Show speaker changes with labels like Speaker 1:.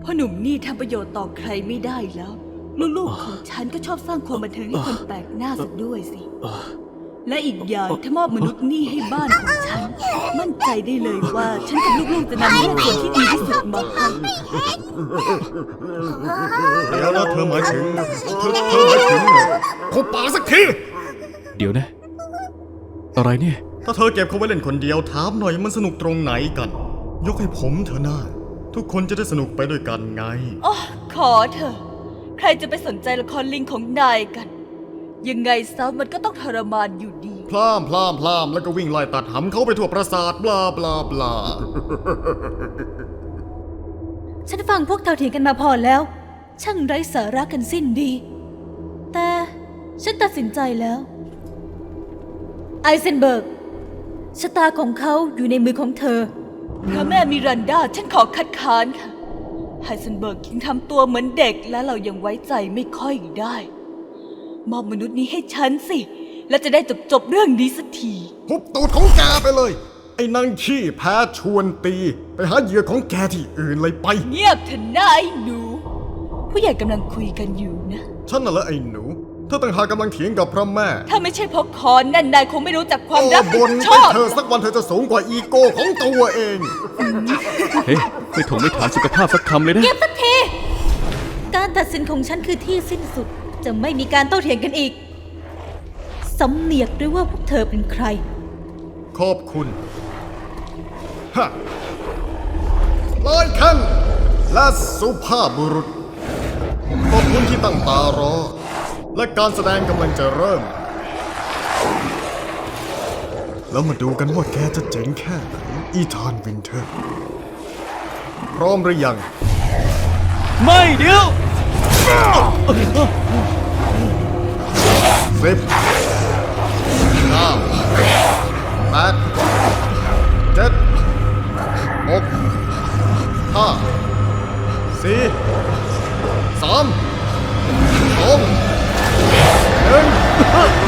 Speaker 1: พ่อหนุ่มนี่ทำประโยชน์ต่อใครไม่ได้แล้วลูกๆของฉันก็ชอบสร้างความบันเทิงให้คนแปลกหน้าสักด้วยสิและอีกอย่างถ้ามอบมนุษย์นี่ให้บ้านของฉันมั่นใจได้เลยว่าฉันกับลูกๆจะนำแม่ส่วนที่ดีที่สุดมาให้
Speaker 2: เดี๋ยวนะเธอหมายถึงเขาป่าสักที
Speaker 3: เดี๋ยวนะอะไรเนี่ย
Speaker 2: ถ้าเธอเก็บเขาไว้เล่นคนเดียวถามหน่อยมันสนุกตรงไหนกันยกให้ผมเถอะนะทุกคนจะได้สนุกไปด้วยกันไง
Speaker 1: อ๋อขอเถอะใครจะไปสนใจละครลิงของนายกันยังไงซะมันก็ต้องทรมานอยู่ดี
Speaker 2: พล่ามแล้วก็วิ่งไล่ตัดหำเขาไปทั่วปราสาทบลาบลาบลา
Speaker 1: ฉันฟังพวกเธอเถียงกันมาพอแล้วช่างไร้สาระกันสิ้นดีแต่ฉันตัดสินใจแล้วไอเซนเบิร์กชะตาของเขาอยู่ในมือของเธอพระแม่มิรันดาฉันขอคัดค้านค่ะไฮเซนเบิร์กยังทำตัวเหมือนเด็กและเรายังไว้ใจไม่ค่อยได้มอบมนุษย์นี้ให้ฉันสิและจะได้จบเรื่องนี้สักที
Speaker 2: หุบตูดของแกไปเลยไอ้นางขี้แพ้ชวนตีไปหาเหยื่อของแกที่อื่นเลยไป
Speaker 1: เงียบเถอะนะไอ้หนูผู้ใหญ่กำลังคุยกันอยู่นะ
Speaker 2: ฉันน่ะเหรอไอ้หนูเธอต่างหากกำลังเถียงกับพระแม่
Speaker 1: ถ้าไม่ใช่เพราะคอนนั่นนายคงไม่รู้จักความรับผิดชอบ
Speaker 2: เธอสักวันเธอจะสูงกว่าอีโก้ของตัวเอง
Speaker 3: เฮ้ยไม่ถไม่ถามสุขภาพสักคำเลยนะ
Speaker 1: เงียบสักทีการตัดสินของฉันคือที่สิ้นสุดจะไม่มีการโต้เถียงกันอีกสำเนียกด้วยว่าพวกเธอเป็นใคร
Speaker 2: ขอบคุณฮะลอยคันและสุภาพบุรุษขอบคุณที่ตั้งตารอและการแสดงกำลังจะเริ่มแล้วมาดูกันว่าแกจะเจ๋งแค่ไหนอีธานวินเทอร์พร้อมหรือยัง
Speaker 3: ไม่เดี๋ยว
Speaker 2: 10 9 8 7 6 5 4 3 2 1